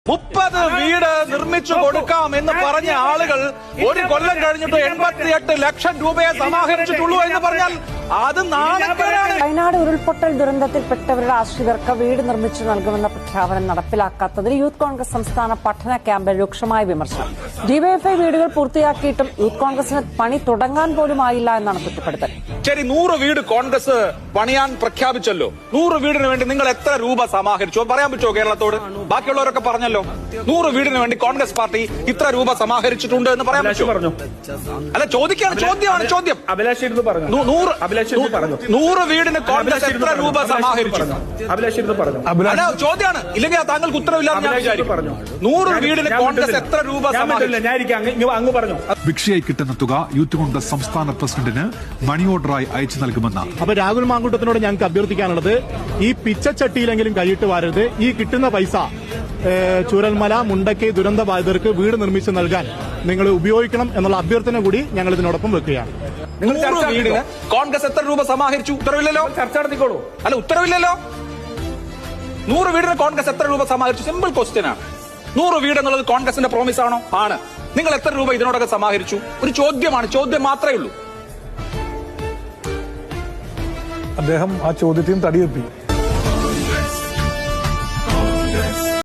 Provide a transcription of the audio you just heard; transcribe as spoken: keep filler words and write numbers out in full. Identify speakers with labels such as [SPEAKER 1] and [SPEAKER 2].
[SPEAKER 1] മുപ്പത് വീട് നിർമ്മിച്ചു കൊടുക്കാം എന്ന് പറഞ്ഞ ആളുകൾ ഒരു കൊല്ലം കഴിഞ്ഞിട്ട് എൺപത്തിയെട്ട് ലക്ഷം രൂപയെ സമാഹരിച്ചിട്ടുള്ളൂ എന്ന് പറഞ്ഞാൽ അത് നാണക്കേടാണ്.
[SPEAKER 2] വയനാട് ഉരുൾപൊട്ടൽ ദുരന്തത്തിൽപ്പെട്ടവരുടെ ആശ്രിതർക്ക് വീട് നിർമ്മിച്ചു നൽകുമെന്ന പ്രഖ്യാപനം നടപ്പിലാക്കാത്തതിൽ യൂത്ത് കോൺഗ്രസ് സംസ്ഥാന പഠന ക്യാമ്പിൽ രൂക്ഷമായ വിമർശനം. ഡിവൈഎഫ്ഐ വീടുകൾ പൂർത്തിയാക്കിയിട്ടും യൂത്ത് കോൺഗ്രസിന് പണി തുടങ്ങാൻ പോലും ആയില്ല എന്നാണ് കുറ്റപ്പെടുത്തൽ.
[SPEAKER 1] ശരി, നൂറ് വീട് കോൺഗ്രസ് പണിയാൻ പ്രഖ്യാപിച്ചല്ലോ. നൂറ് വീടിന് വേണ്ടി നിങ്ങൾ എത്ര രൂപ സമാഹരിച്ചു പറയാൻ പറ്റുമോ കേരളത്തോട്? ബാക്കിയുള്ളവരൊക്കെ പറഞ്ഞല്ലോ നൂറ് വീടിന് വേണ്ടി കോൺഗ്രസ് പാർട്ടി ഇത്ര രൂപ സമാഹരിച്ചിട്ടുണ്ട് എന്ന് പറയാൻ പറ്റുമോ? അല്ല, ചോദിക്കാണ്, ചോദ്യമാണ് ചോദ്യം. നൂറ് വീടിന് കോൺഗ്രസ് എത്ര രൂപ സമാഹരിച്ചു? അല്ല, ചോദ്യമാണ്. ഇല്ലെങ്കിൽ താങ്കൾക്ക് ഉത്തരവില്ലാന്ന് ഞാൻ വിചാരിക്കും. നൂറ് വീടിന് കോൺഗ്രസ് എത്ര രൂപ സമാഹരിച്ചു?
[SPEAKER 3] ഭിക്ഷയായി കിട്ടുന്ന തുക യൂത്ത് കോൺഗ്രസ് സംസ്ഥാന പ്രസിഡന്റിന് മണി ഓർഡറായി അയച്ചു നൽകുമെന്ന്.
[SPEAKER 4] അപ്പൊ രാഹുൽ മാങ്കൂട്ടത്തിനോട് ഞങ്ങൾക്ക് അഭ്യർത്ഥിക്കാനുള്ളത്, ഈ പിച്ചച്ചട്ടിയിലെങ്കിലും കൈയിട്ട് വാരരുത്. ഈ കിട്ടുന്ന പൈസ ചൂരൽമല മുണ്ടക്കൈ ദുരന്ത ബാധിതർക്ക് വീട് നിർമ്മിച്ച് നൽകാൻ നിങ്ങൾ ഉപയോഗിക്കണം എന്നുള്ള അഭ്യർത്ഥന കൂടി ഞങ്ങൾ ഇതിനോടൊപ്പം വെക്കുകയാണ്.
[SPEAKER 1] വീടിന് കോൺഗ്രസ് എത്ര രൂപ സമാഹരിച്ചു? ഉത്തരവില്ലല്ലോ. ചർച്ച നടത്തിക്കോളൂ. അല്ല, ഉത്തരവില്ലല്ലോ. നൂറ് വീടിന് കോൺഗ്രസ് എത്ര രൂപ സമാഹരിച്ചു? സിമ്പിൾ ക്വസ്റ്റ്യൻ ആണ്. നൂറ് വീട് എന്നുള്ളത് കോൺഗ്രസിന്റെ പ്രോമിസ് ആണോ? ആണ്. നിങ്ങൾ എത്ര രൂപ ഇതിനോടൊക്കെ സമാഹരിച്ചു? ഒരു ചോദ്യമാണ്, ചോദ്യം മാത്രമേ ഉള്ളൂ.
[SPEAKER 5] അദ്ദേഹം ആ ചോദ്യത്തെയും തടിയെത്തി.